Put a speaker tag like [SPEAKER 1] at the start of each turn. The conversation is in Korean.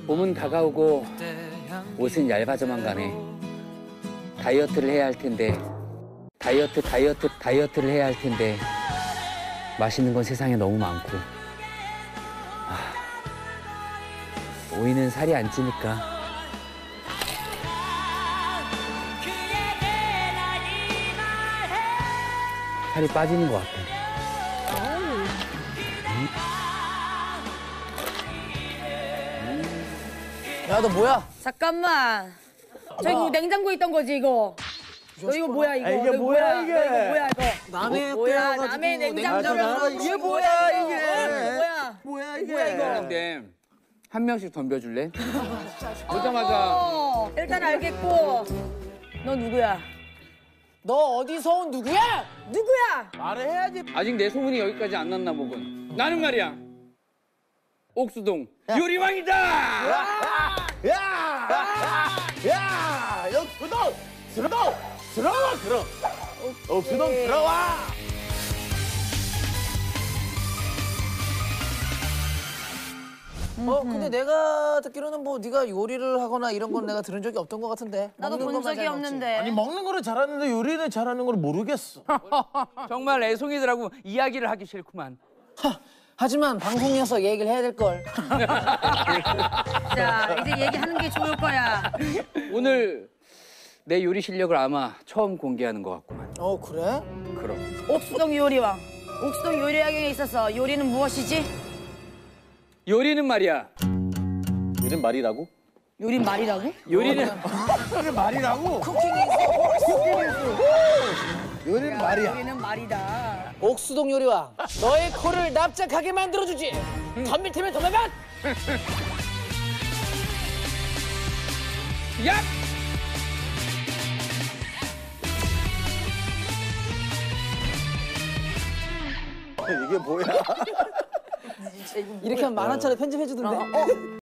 [SPEAKER 1] 봄은 다가오고 옷은 얇아져만 가네. 다이어트를 해야 할 텐데 다이어트를 해야 할 텐데 맛있는 건 세상에 너무 많고 오이는 살이 안 찌니까 살이 빠지는 것 같아.
[SPEAKER 2] 야, 너 뭐야?
[SPEAKER 3] 잠깐만. 저 이거 냉장고에 있던 거지 이거. 너 이거 뭐야 이거?
[SPEAKER 4] 이게
[SPEAKER 3] 너
[SPEAKER 4] 뭐야, 이게?
[SPEAKER 3] 너 이거 뭐야 이거?
[SPEAKER 2] 남의
[SPEAKER 3] 뭐야 남의 냉장고에
[SPEAKER 2] 이게 뭐야, 이게?
[SPEAKER 3] 뭐야?
[SPEAKER 2] 뭐야, 이게?
[SPEAKER 3] 뭐야 이거?
[SPEAKER 1] 근데 한 명씩 덤벼줄래? 오자마자
[SPEAKER 3] 일단 알겠고. 너 누구야?
[SPEAKER 2] 너 어디서 온 누구야?
[SPEAKER 3] 누구야?
[SPEAKER 4] 말을 해야지.
[SPEAKER 1] 아직 내 소문이 여기까지 안 났나 보군. 나는 말이야 옥수동 요리왕이다.
[SPEAKER 4] 야, 옥수동 들어와, 그럼. 옥수동 들어와.
[SPEAKER 2] 근데 내가 듣기로는 뭐 네가 요리를 하거나 이런 건 내가 들은 적이 없던 것 같은데.
[SPEAKER 3] 나도
[SPEAKER 2] 먹는
[SPEAKER 3] 본
[SPEAKER 2] 것만
[SPEAKER 3] 적이
[SPEAKER 2] 잘 먹지.
[SPEAKER 3] 없는데.
[SPEAKER 4] 아니 먹는 거는 잘하는데 요리는 잘하는 걸 모르겠어.
[SPEAKER 1] 정말 애송이들하고 이야기를 하기 싫구만.
[SPEAKER 2] 하지만 방송이어서 얘기를 해야 될 걸.
[SPEAKER 3] 자 이제 얘기하는 게 좋을 거야.
[SPEAKER 1] 오늘 내 요리 실력을 아마 처음 공개하는 것 같구만.
[SPEAKER 2] 그래?
[SPEAKER 1] 그럼.
[SPEAKER 3] 옥수동 요리왕. 옥수동 요리왕에 있어서 요리는 무엇이지?
[SPEAKER 1] 요리는 말이야.
[SPEAKER 4] 요즘 말이라고?
[SPEAKER 3] 요리 말이라고?
[SPEAKER 1] 요리는
[SPEAKER 4] 요즘 말이라고? 요즘 말이야.
[SPEAKER 3] 요리는 말이다.
[SPEAKER 2] 옥수동 요리와 너의 코를 납작하게 만들어주지. 덤빌 테면 덤벼봐.
[SPEAKER 1] 야!
[SPEAKER 4] 이게 뭐야?
[SPEAKER 2] 이렇게 하면 10,000원짜리 편집해주던데.